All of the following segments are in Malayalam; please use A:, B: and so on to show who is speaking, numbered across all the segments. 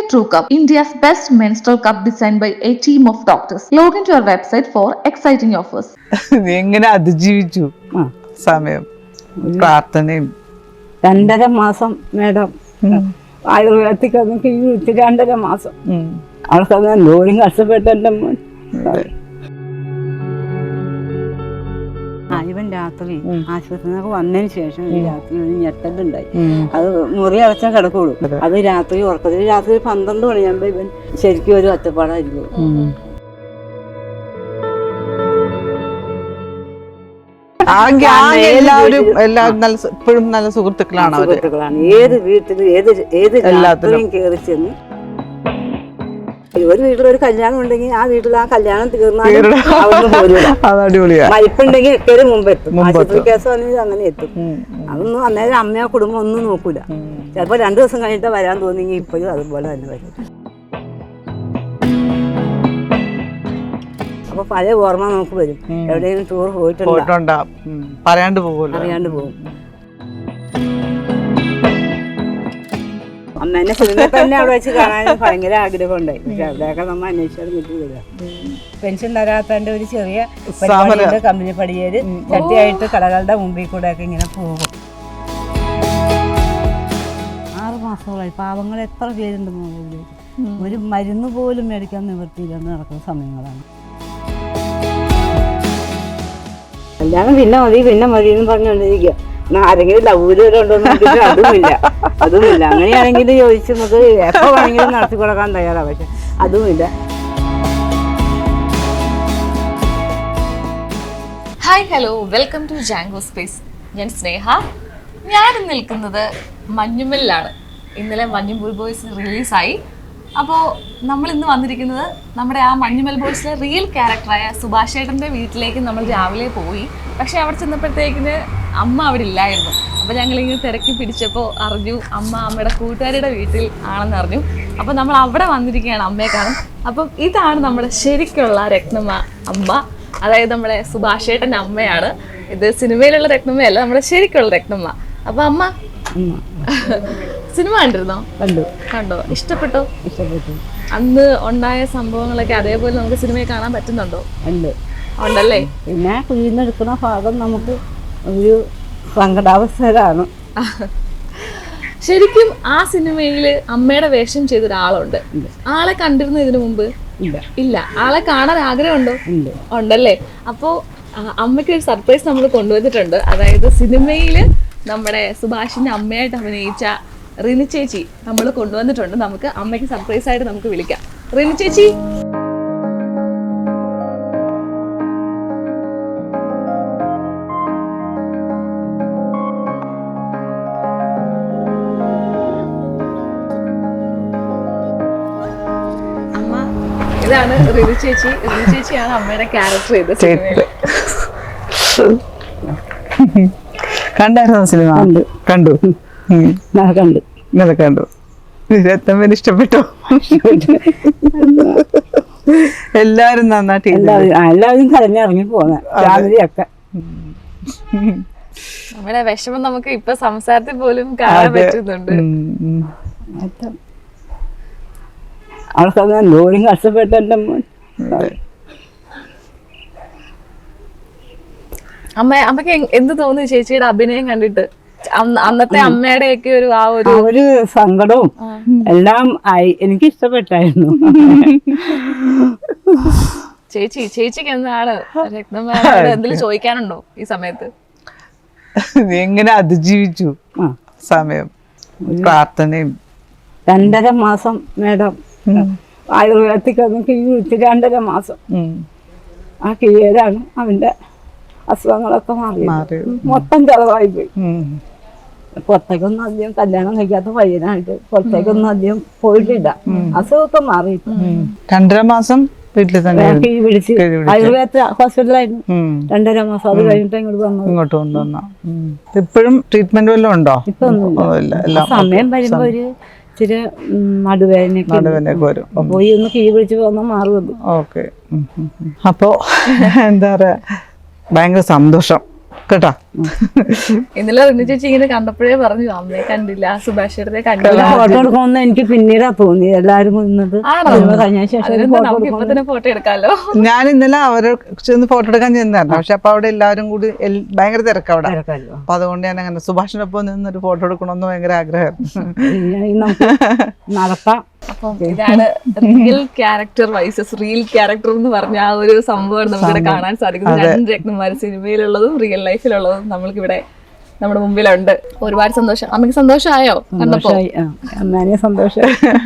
A: True Cup, India's best menstrual cup designed by a team of doctors. Log into our website for exciting offers.
B: എങ്ങനെ അതിജീവിച്ചു സമയം പ്രാർത്ഥനയും
C: 2.5 മാസം മേഡം ആയുർവേദത്തിൽ നമുക്ക് ഈ 2.5 മാസം അവൾക്കത് എന്തോരം കഷ്ടപ്പെട്ട എൻ്റെ മോൻ. ഇവൻ രാത്രി ആശുപത്രിയിൽ നിന്നൊക്കെ വന്നതിന് ശേഷം രാത്രി ഒരു ഞെട്ടലുണ്ടായി. അത് മുറി അടച്ചാൽ കിടക്കുള്ളൂ. അത് രാത്രി ഉറക്കത്തിൽ രാത്രി 12 മണിയാകുമ്പോൾ ഇവൻ ശരിക്കും ഒരു ഒറ്റപ്പാടായിരിക്കും.
B: എല്ലാവരും ഇപ്പോഴും നല്ല സുഹൃത്തുക്കളാണ്.
C: ഏത് വീട്ടിൽ ഏത് രാത്രിയും കയറി ചെന്ന് ഒരു വീട്ടിലൊരു കല്യാണം ഉണ്ടെങ്കിൽ ആ വീട്ടിൽ ആ കല്യാണം തീർന്നാലും മരിപ്പുണ്ടെങ്കിൽ എപ്പോഴും മുമ്പ് എത്തും. ആശുപത്രി കേസ് വന്നെങ്കിൽ അങ്ങനെ എത്തും. അതൊന്നും അന്നേരം അമ്മയോ കുടുംബം ഒന്നും നോക്കൂല. ചിലപ്പോൾ 2 ദിവസം കഴിഞ്ഞിട്ട് വരാൻ തോന്നിയെങ്കിൽ ഇപ്പോഴും അതുപോലെ തന്നെ വരും. അപ്പൊ പഴയ ഓർമ്മ നമുക്ക് വരും. എവിടെയെങ്കിലും ടൂർ പോയിട്ടുണ്ടോ
B: പറയാണ്ട് പോകും.
C: അമ്മേനെ സിനിമ തന്നെ അവിടെ വെച്ച് കാണാൻ ഭയങ്കര ആഗ്രഹം ഉണ്ടായി. പക്ഷെ അവിടെയൊക്കെ നമ്മൾ അന്വേഷിച്ചാൽ കിട്ടില്ല. പെൻഷൻ തരാത്തതിന്റെ ഒരു ചെറിയ പരിപാടിയുണ്ട്. കമ്പനി പടിയേര് ചട്ടിയായിട്ട് കടകളുടെ മുമ്പിൽ കൂടെ ഒക്കെ ഇങ്ങനെ പോകും. 6 മാസങ്ങളായി. പാവങ്ങൾ എത്ര പേരുണ്ടെന്ന് ഒരു മരുന്ന് പോലും മേടിക്കാൻ നിവൃത്തിയില്ലെന്ന് നടക്കുന്ന സമയങ്ങളാണ്. കല്യാണം പിന്നെ മതി എന്ന് പറഞ്ഞുകൊണ്ടിരിക്കുക. ആരെങ്കിലും ലൗകര്യമുണ്ടോന്ന് അതുമില്ല. അങ്ങനെയാണെങ്കിൽ ചോദിച്ച് നമുക്ക് എപ്പോൾ വേണമെങ്കിലും നടത്തി കൊടുക്കാൻ തയ്യാറാണ്. പക്ഷെ അതുമില്ല.
D: Hi hello, welcome to Jango space. ഞാൻ സ്നേഹ. ഞാൻ നിൽക്കുന്നത് മഞ്ഞുമലിലാണ്. ഇന്നലെ മഞ്ഞുമൽ ബോയ്സ് റിലീസായി. അപ്പോൾ നമ്മൾ ഇന്ന് വന്നിരിക്കുന്നത് നമ്മുടെ ആ മഞ്ഞുമൽ ബോയ്സിലെ റിയൽ ക്യാരക്ടറായ സുഭാഷ് ചേട്ടൻ്റെ വീട്ടിലേക്ക് നമ്മൾ രാവിലെ പോയി. പക്ഷേ അവിടെ ചെന്നപ്പോഴത്തേക്കിന് അമ്മ അവിടെ ഇല്ലായിരുന്നു. അപ്പോൾ ഞങ്ങളിങ്ങനെ തിരക്കി പിടിച്ചപ്പോൾ അറിഞ്ഞു അമ്മയുടെ കൂട്ടുകാരുടെ വീട്ടിൽ ആണെന്ന് അറിഞ്ഞു. അപ്പോൾ നമ്മൾ അവിടെ വന്നിരിക്കുകയാണ് അമ്മയെ കാണും. അപ്പം ഇതാണ് നമ്മുടെ ശരിക്കുള്ള രത്നമ്മ അമ്മ. അതായത് നമ്മുടെ സുഭാഷ് ചേട്ടൻ്റെ അമ്മയാണ്. ഇത് സിനിമയിലുള്ള രത്നമ്മയല്ല, നമ്മുടെ ശരിക്കുള്ള രത്നമ്മ. അപ്പോൾ അമ്മ സിനിമ കണ്ടിരുന്നോ? കണ്ടോ? ഇഷ്ടപ്പെട്ടോ? അന്ന് ഉണ്ടായ സംഭവങ്ങളൊക്കെ അതേപോലെ നമുക്ക് സിനിമയിൽ കാണാൻ പറ്റുന്നുണ്ടോ? ഉണ്ടല്ലേ.
C: പിന്നെ കുഴിന്നെടുക്കുന്ന ഭാഗം നമുക്ക് ഒരു സങ്കടാവസ്ഥയിലാണ്.
D: ശരിക്കും ആ സിനിമയിൽ അമ്മയുടെ വേഷം ചെയ്ത ഒരാളുണ്ട്. ആളെ കണ്ടിരുന്നു ഇതിനു മുമ്പ്? ഇല്ല. ആളെ കാണാൻ ആഗ്രഹമുണ്ടോ? ഉണ്ടല്ലേ. അപ്പോൾ അമ്മയ്ക്ക് ഒരു സർപ്രൈസ് നമ്മൾ കൊണ്ടുവന്നിട്ടുണ്ട്. അതായത് സിനിമയിൽ നമ്മുടെ സുഭാഷിന്റെ അമ്മയായിട്ട് അഭിനയിച്ച റിനി ചേച്ചി നമ്മൾ കൊണ്ടുവന്നിട്ടുണ്ട്. നമുക്ക് അമ്മയ്ക്ക് സർപ്രൈസ് ആയിട്ട് നമുക്ക് വിളിക്കാം. റിനി ചേച്ചി, അമ്മ ഇതാണ് റിനി ചേച്ചി. റിനി ചേച്ചിയാണ് അമ്മയുടെ ക്യാരക്ടർ ചെയ്ത സിനിമയിൽ.
B: കണ്ടായിരുന്നോ സിനിമ? കണ്ടു. രത്നമ്മേനെ ഇഷ്ടപ്പെട്ടോ? എല്ലാരും നന്നായിട്ട്
C: എല്ലാവരും കരഞ്ഞിറങ്ങി പോകുന്ന ഫാമിലിയൊക്കെ.
D: നമ്മുടെ വിഷമം നമുക്ക് ഇപ്പൊ സംസാരത്തിൽ പോലും കാണാൻ പറ്റുന്നുണ്ട്.
C: അവൾക്കത് എന്തോരം കഷ്ടപ്പെട്ട എൻ്റെ മോൻ.
D: അമ്മക്ക് എന്ത് തോന്നി ചേച്ചിയുടെ അഭിനയം കണ്ടിട്ട്? അന്നത്തെ അമ്മയുടെ ഒക്കെ ഒരു
C: സങ്കടവും എല്ലാം ആയി. എനിക്ക് ഇഷ്ടപ്പെട്ടായിരുന്നു.
D: ചേച്ചിക്ക് എന്താണ് രത്നമ്മയോട് എന്തെങ്കിലും ചോദിക്കാനുണ്ടോ ഈ സമയത്ത്?
B: എങ്ങനെ അതിജീവിച്ചു സമയം പ്രാർത്ഥനയും?
C: 2.5 മാസം മേഡം ആയുർവേദത്തിൽ നമുക്ക് ഈ 2.5 മാസം ആ കീഴേലാണ് അവന്റെ അസുഖങ്ങളൊക്കെ മാറി. മൊത്തം ചെലവായി പോയി. പുറത്തേക്കൊന്നും അധികം കല്യാണം കഴിക്കാത്ത പയ്യനായിട്ട് പുറത്തേക്കൊന്നും അധികം പോയിട്ടില്ല. അസുഖമൊക്കെ മാറി.
B: 2.5 മാസം വീട്ടിൽ തന്നെ
C: പിടിച്ച് ആയുർവേദ ഹോസ്പിറ്റലായിരുന്നു. 2.5 മാസം. അത് കഴിഞ്ഞിട്ട്
B: ഇങ്ങോട്ട് കൊണ്ടുവന്ന. ഇപ്പോഴും ട്രീറ്റ്മെന്റ് വല്ലതും ഉണ്ടോ?
C: ഇപ്പൊ ഒന്നുമില്ല. സമയം വരുമ്പോ ഒരു ഇച്ചിരി നടുവേദനയൊക്കെ
B: വരും.
C: പോയി ഒന്ന് കീഴ് പിടിച്ച് പോകുന്ന മാറുമല്ലോ.
B: ഓക്കെ. അപ്പോ എന്താ പറയാ, ഭയങ്കര സന്തോഷം കേട്ടോ.
D: ഇന്നലെ റിനു ചേച്ചി ഇങ്ങനെ കണ്ടപ്പോഴേ പറഞ്ഞു അമ്മയെ കണ്ടില്ല, സുഭാഷ് ചേട്ടനെ കണ്ടില്ല.
C: ഫോട്ടോ എടുക്കണമെന്ന് എനിക്ക് പിന്നീടാ തോന്നി. എല്ലാരും നിന്നത്
D: ആണോ?
C: കഴിഞ്ഞ ശേഷം
D: അതിനെന്താ നമുക്ക് ഇപ്പൊ തന്നെ ഫോട്ടോ എടുക്കാലോ.
B: ഞാൻ ഇന്നലെ അവരെ ചെന്ന് ഫോട്ടോ എടുക്കാൻ ചെന്നായിരുന്നു. പക്ഷെ അപ്പൊ അവിടെ എല്ലാവരും കൂടി ഭയങ്കര തിരക്ക് അവിടെ. അപ്പൊ അതുകൊണ്ട് ഞാൻ അങ്ങനെ സുഭാഷിനൊപ്പം നിന്നൊരു ഫോട്ടോ എടുക്കണമെന്ന് ഭയങ്കര ആഗ്രഹമായിരുന്നു.
C: നടത്താം.
D: അപ്പം ഇതാണ് real character versus real character എന്ന് പറഞ്ഞ ആ ഒരു സംഭവം നമുക്കിവിടെ കാണാൻ സാധിക്കുന്നത്. രണ്ട് രത്നന്മാര് സിനിമയിലുള്ളതും റിയൽ ലൈഫിലുള്ളതും നമ്മൾക്കിവിടെ നമ്മുടെ മുമ്പിലുണ്ട്. ഒരുപാട് സന്തോഷം. അമ്മക്ക് സന്തോഷമായോ കണ്ടപ്പോ?
C: അമ്മേനെ സന്തോഷം.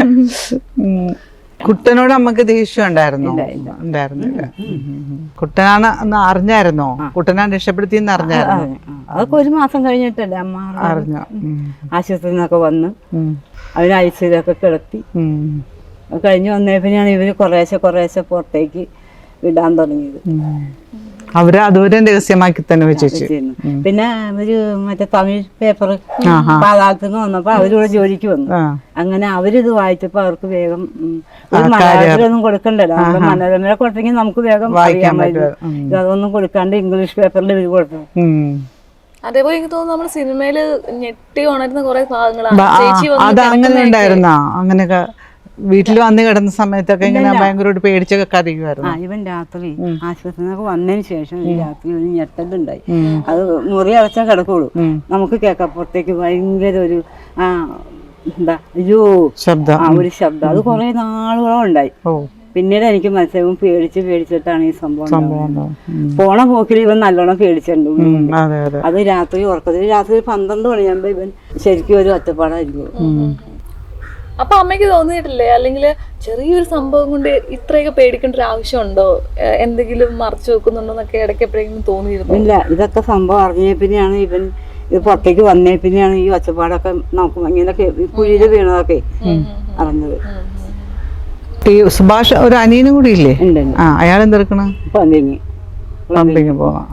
B: കുട്ടനോട് അമ്മക്ക് ദേഷ്യം ഉണ്ടായിരുന്നില്ല. കുട്ടനാണ് അന്ന് അറിഞ്ഞായിരുന്നോ? കുട്ടനാണ് രക്ഷപ്പെടുത്തിയെന്ന് അറിഞ്ഞായിരുന്നു?
C: അതൊക്കെ ഒരു മാസം കഴിഞ്ഞിട്ടല്ലേ അമ്മ
B: അറിഞ്ഞോ?
C: ആശുപത്രിയിൽ നിന്നൊക്കെ വന്ന് അവര് ഐസിയിലൊക്കെ കിടത്തി. കഴിഞ്ഞ് വന്നേ പിന്നെയാണ് ഇവര് കുറേശ്ശെ പുറത്തേക്ക് വിടാൻ തുടങ്ങിയത്.
B: അവര് അതുവരെ രഹസ്യമാക്കി തന്നെ വെച്ചു.
C: പിന്നെ അവര് മറ്റേ തമിഴ് പേപ്പർ പാതാളത്തിൽ നിന്ന് വന്നപ്പോ അവരിവിടെ ജോലിക്ക് വന്നു. അങ്ങനെ അവരിത് വായിച്ചപ്പോ അവർക്ക് വേഗം മലയാളത്തിലൊന്നും കൊടുക്കണ്ടല്ലോ. നമ്മുടെ മനോരമ കൊടുത്തെങ്കിൽ നമുക്ക് വേഗം വായിക്കാൻ പറ്റും. അതൊന്നും കൊടുക്കാണ്ട് ഇംഗ്ലീഷ് പേപ്പറിൽ ഇവര് കൊടുത്തു.
D: അതേപോലെ എനിക്ക് തോന്നുന്നു നമ്മുടെ സിനിമയില് ഞെട്ടി ഉണരുന്ന കുറെ ഭാഗങ്ങളാണ്.
B: അത് അങ്ങനെ ഉണ്ടായിരുന്നോ? അങ്ങനെയൊക്കെ വീട്ടിൽ വന്ന് കിടന്ന സമയത്തൊക്കെ ഇങ്ങനെ ഭയങ്കരമായിട്ട് പേടിച്ചൊക്കെ കരയുമായിരുന്നു.
C: ഇവൻ രാത്രി ആശുപത്രിയിൽ നിന്നൊക്കെ വന്നതിന് ശേഷം രാത്രി ഒരു ഞെട്ടലുണ്ടായി. അത് മുറി അടച്ചാൽ കിടക്കുള്ളൂ. നമുക്ക് കേൾക്കാം പുറത്തേക്ക് ഭയങ്കര ഒരു എന്താ അയ്യോ ശബ്ദം, ഒരു ശബ്ദം. അത് കുറെ നാളുകളോ ഉണ്ടായി. പിന്നീട് എനിക്ക് മനസ്സിലാവും പേടിച്ചിട്ടാണ് ഈ സംഭവം. പോണ പോക്കിൽ ഇവൻ നല്ലോണം പേടിച്ചിട്ടുണ്ട്. അത് രാത്രി ഉറക്കത്തിൽ രാത്രി 12 മണിയാകുമ്പോ ഇവൻ ശരിക്കും ഒരു ഒറ്റപ്പാടായിരിക്കും.
D: അപ്പൊ അമ്മയ്ക്ക് തോന്നിയിട്ടില്ലേ, അല്ലെങ്കിൽ ചെറിയൊരു സംഭവം കൊണ്ട് ഇത്രയൊക്കെ പേടിക്കേണ്ട ഒരു ആവശ്യമുണ്ടോ, എന്തെങ്കിലും മറച്ചു വെക്കുന്നുണ്ടോന്നൊക്കെ ഇടയ്ക്ക് എപ്പോഴെങ്കിലും തോന്നിയിരുന്നു?
C: ഇല്ല, ഇതൊക്കെ സംഭവം അറിഞ്ഞേ പിന്നെയാണ് ഇവൻ ഇത് പുറത്തേക്ക് വന്നേ പിന്നെയാണ് ഈ ഒച്ചപ്പാടൊക്കെ നോക്കും ഇങ്ങനെ കുഴിയിൽ വീണതൊക്കെ അറിഞ്ഞത്.
B: സുഭാഷ് ഒരു അനിയനും കൂടി ഇല്ലേ? അയാൾ എന്തെടുക്കണ? പമ്പിങ് പോവാ.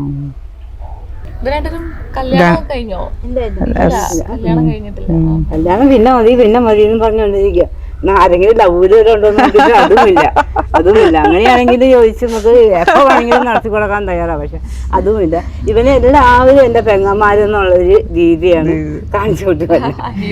D: കല്യാണം കഴിഞ്ഞോ? കല്യാണം കഴിഞ്ഞിട്ടില്ല.
C: കല്യാണം പിന്നെ മതി എന്ന് പറഞ്ഞോണ്ടിരിക്കുക. ആരെങ്കിലും ലൗകര്യമുണ്ടോ അതുമില്ല. അങ്ങനെയാണെങ്കിൽ ചോദിച്ച് നമുക്ക് എപ്പോ വേണമെങ്കിലും നടത്തി കൊടുക്കാൻ തയ്യാറാണ്. പക്ഷെ അതുമില്ല. ഇവനെ എല്ലാവരും എന്റെ പെങ്ങന്മാരെന്നുള്ളൊരു രീതിയാണ് കാണിച്ചു കൊടുക്കുന്നത്.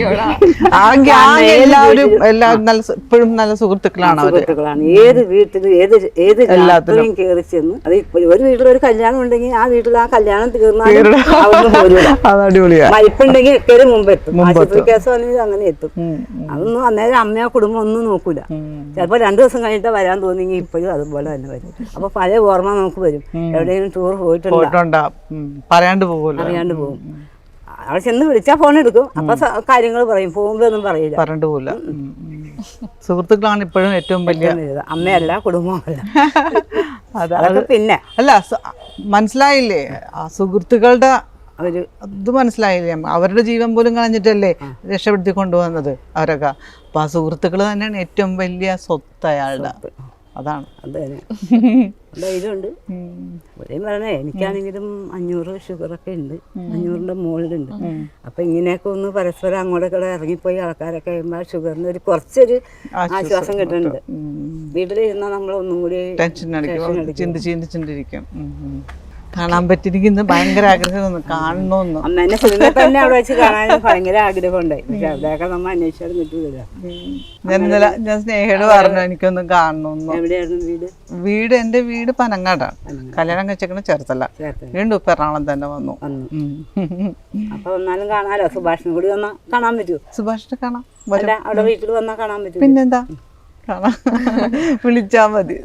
B: ഇപ്പോഴും നല്ല സുഹൃത്തുക്കളാണ്.
C: ഏത് വീട്ടിലും ഏത് രാത്രിയും കയറി ചെന്ന് അത് ഒരു വീട്ടിലൊരു കല്യാണം ഉണ്ടെങ്കിൽ ആ വീട്ടിൽ ആ കല്യാണം തീർന്നാലും മരിപ്പുണ്ടെങ്കിൽ എക്കലും മുമ്പ് എത്തും. ആശുപത്രി കേസ് വന്നെങ്കിൽ അങ്ങനെ എത്തും. അതൊന്നും അന്നേരം അമ്മയോ കുടുംബം ഒന്നും നോക്കൂല. ചിലപ്പോൾ 2 ദിവസം കഴിഞ്ഞിട്ട് വരാൻ തോന്നിയെങ്കിൽ ഇപ്പോഴും അതുപോലെ തന്നെ വരും. അപ്പൊ പഴയ ഓർമ്മ നമുക്ക് വരും. എവിടെയെങ്കിലും ടൂർ പോയിട്ടുണ്ടോ
B: അറിയാണ്ട്
C: പോകും. അവിടെ ചെന്ന് വിളിച്ചാൽ ഫോൺ എടുക്കും. അപ്പൊ കാര്യങ്ങൾ പറയും. പോകുമ്പോ ഒന്നും പറയില്ല,
B: പറഞ്ഞിട്ട് പോകില്ല. സുഹൃത്തുക്കളാണ് ഇപ്പോഴും ഏറ്റവും വലിയ.
C: അമ്മയല്ല കുടുംബമല്ല. അതൊക്കെ പിന്നെ
B: അല്ല, മനസ്സിലായില്ലേ? ആ സുഹൃത്തുക്കളുടെ ഇത് മനസ്സിലായില്ലേ? അവരുടെ ജീവൻ പോലും കളഞ്ഞിട്ടല്ലേ രക്ഷപ്പെടുത്തി കൊണ്ടുവന്നത് അവരൊക്കെ. അപ്പൊ ആ സുഹൃത്തുക്കൾ തന്നെയാണ് ഏറ്റവും വലിയ സ്വത്ത് അയാളുടെ. അതാണ്
C: ധൈര്യമുണ്ട്. ഇവിടെയും പറഞ്ഞേ എനിക്കാണെങ്കിലും 500 ഷുഗറൊക്കെ ഉണ്ട്. 500ന്റെ മുകളിലുണ്ട്. അപ്പൊ ഇങ്ങനെയൊക്കെ ഒന്ന് പരസ്പരം അങ്ങോട്ടൊക്കെ ഇറങ്ങിപ്പോയി ആൾക്കാരൊക്കെ കഴിയുമ്പോൾ ഷുഗറിന് ഒരു കുറച്ചൊരു ആശ്വാസം കിട്ടുന്നുണ്ട്. വീട്ടിലിരുന്നാൽ നമ്മളൊന്നും കൂടി
B: ചിന്തിച്ചിരിക്കും. കാണാൻ പറ്റിയിരിക്കുന്ന ഭയങ്കര ആഗ്രഹം കാണണമെന്ന്.
C: അമ്മേനെ സിനിമ തന്നെ അവിടെ വെച്ച് കാണാൻ ഭയങ്കര ആഗ്രഹം ഉണ്ടായി. പക്ഷെ അവിടെയൊക്കെ നമ്മൾ അന്വേഷിച്ചാലും കിട്ടൂല.
B: ഞാൻ സ്നേഹയോട് പറഞ്ഞു എനിക്കൊന്നും കാണണമെന്ന്.
C: എവിടെയായിരുന്നു
B: വീട്? എന്റെ വീട് പനങ്ങാടാണ്. കല്യാണം കഴിച്ചേക്കണ ചേർത്തല. വീണ്ടും ഇപ്പൊ എറണാകുളം തന്നെ വന്നു.
C: അപ്പൊ വന്നാലും കാണാലോ. സുഭാഷിനെ കൂടി വന്നാ കാണാൻ പറ്റുമോ?
B: സുഭാഷിനെ കാണാം.
C: അവിടെ വീട്ടിൽ വന്നാ കാണാൻ പറ്റും.
B: പിന്നെന്താ, വിളിച്ചാ മതി.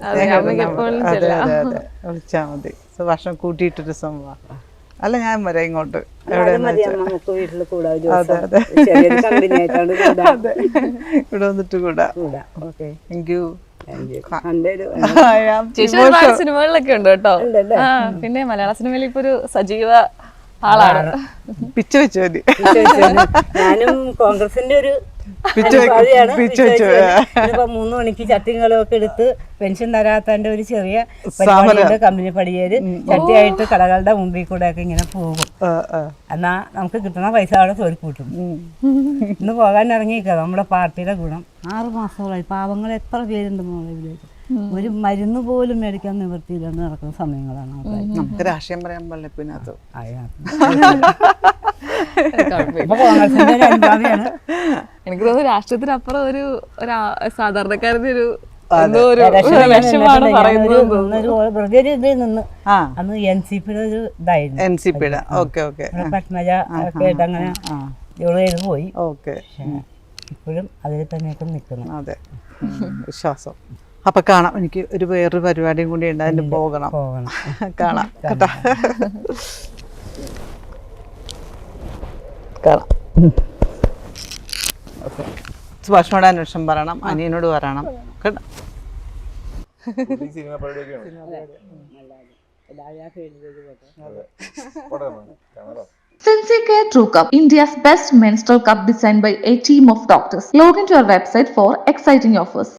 B: വിളിച്ചാ മതി. സുഭാഷം കൂട്ടിയിട്ടൊരു സംഭവം. അല്ല, ഞാൻ വരാം ഇങ്ങോട്ട്. ഇവിടെ വന്നിട്ട് കൂടാ. Thank you.
D: സിനിമകളിലൊക്കെ ഉണ്ട് കേട്ടോ. പിന്നെ മലയാള സിനിമയിൽ ഇപ്പൊ ഒരു സജീവ ആളാണ്.
B: പിച്ച വെച്ചു മതി.
C: ഞാനും കോൺഗ്രസിന്റെ ഒരു 3 മണിക്ക് ചട്ടികളൊക്കെ എടുത്ത് പെൻഷൻ തരാത്തതിന്റെ ഒരു ചെറിയ പരിപാടിയുണ്ട്. കമ്പനി പടിയേര് ചട്ടിയായിട്ട് കടകളുടെ മുമ്പിൽ കൂടെ ഒക്കെ ഇങ്ങനെ പോകും. എന്നാ നമുക്ക് കിട്ടുന്ന പൈസ അവിടെ തോൽക്കൂട്ടും. ഇന്ന് പോകാൻ ഇറങ്ങിയിരിക്കുക. നമ്മുടെ പാർട്ടിയുടെ ഗുണം 6 മാസങ്ങളായി. പാവങ്ങൾ എത്ര പേരുണ്ട് മോളെ ഇതിലേക്ക്. ഒരു മരുന്ന് പോലും മേടിക്കാൻ നിവൃത്തിയില്ലാണ്ട് നടക്കുന്ന സമയങ്ങളാണ് ആൾക്കാർ.
B: നമുക്ക് രാഷ്ട്രീയം പറയാൻ പാടില്ല പിന്നെ അത്
C: അപ്പൊ കോൺഗ്രസിന്റെ ഒരു അനുഭാവിയാണ്.
D: എനിക്ക് തോന്നുന്നു രാഷ്ട്രീയത്തിനപ്പുറം ഒരു സാധാരണക്കാരന്റെ ഒരു
C: വെറുതെ ഒരു ഇതിൽ നിന്ന്
B: ആ
C: അന്ന് NCP-യുടെ ഒരു ഇതായിരുന്നു.
B: NCP-യുടെ ഓക്കെ ഓക്കെ
C: പത്മജ ഒക്കെ ആയിട്ട് അങ്ങനെ ഇവള് ചെയ്ത് പോയി.
B: ഓക്കെ
C: ഇപ്പോഴും അതിൽ തന്നെയൊക്കെ നിൽക്കുന്നു.
B: അതെ വിശ്വാസം. അപ്പൊ കാണാം. എനിക്ക് ഒരു വേറൊരു പരിപാടിയും കൂടി ഉണ്ട്, അതിന് പോകണം. കാണാം കേട്ടാ. കാണാം. സുഭാഷിനോട് അന്വേഷണം പറയണം, അനിയനോട് പറയണം കേട്ടോ.
A: Sincere True Cup, India's best menstrual cup designed by a team of doctors. Log into our website for exciting offers.